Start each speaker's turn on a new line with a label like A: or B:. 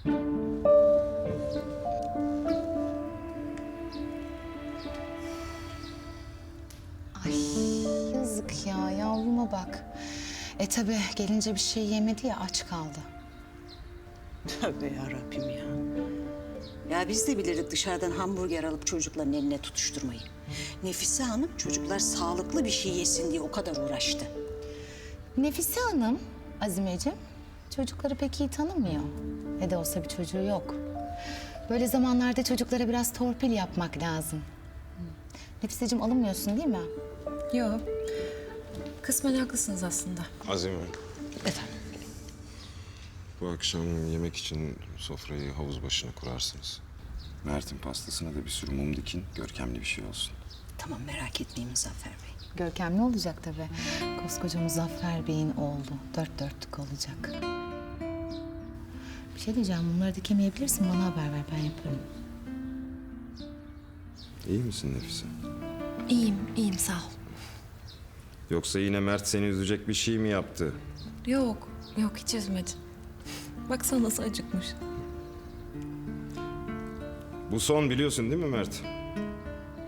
A: Ay yazık ya, yavruma bak. Tabii gelince bir şey yemedi ya, aç kaldı.
B: Tövbe yarabbim ya. Ya biz de biliriz dışarıdan hamburger alıp çocukların eline tutuşturmayı. Nefise Hanım çocuklar sağlıklı bir şey yesin diye o kadar uğraştı.
A: Nefise Hanım, Azimeciğim, çocukları pek iyi tanımıyor. Ne de olsa bir çocuğu yok. Böyle zamanlarda çocuklara biraz torpil yapmak lazım. Nefiseciğim, alınmıyorsun değil mi?
C: Yok. Kısmen haklısınız aslında.
D: Azime,
A: Efendim?
D: bu akşam yemek için sofrayı havuz başına kurarsınız. Mert'in pastasına da bir sürü mum dikin, görkemli bir şey olsun.
B: Tamam merak etmeyin Muzaffer Bey.
A: Görkemli olacak tabii. Koskoca Muzaffer Bey'in oğlu. Dört dörtlük olacak. Bir şey diyeceğim, bunları dikemeyebilirsin. Bana haber ver, ben yaparım.
D: İyi misin Nefise?
C: İyiyim sağ ol.
D: Yoksa yine Mert seni üzecek bir şey mi yaptı?
C: Yok hiç üzmedin. Baksana nasıl acıkmış.
D: Bu son biliyorsun değil mi Mert?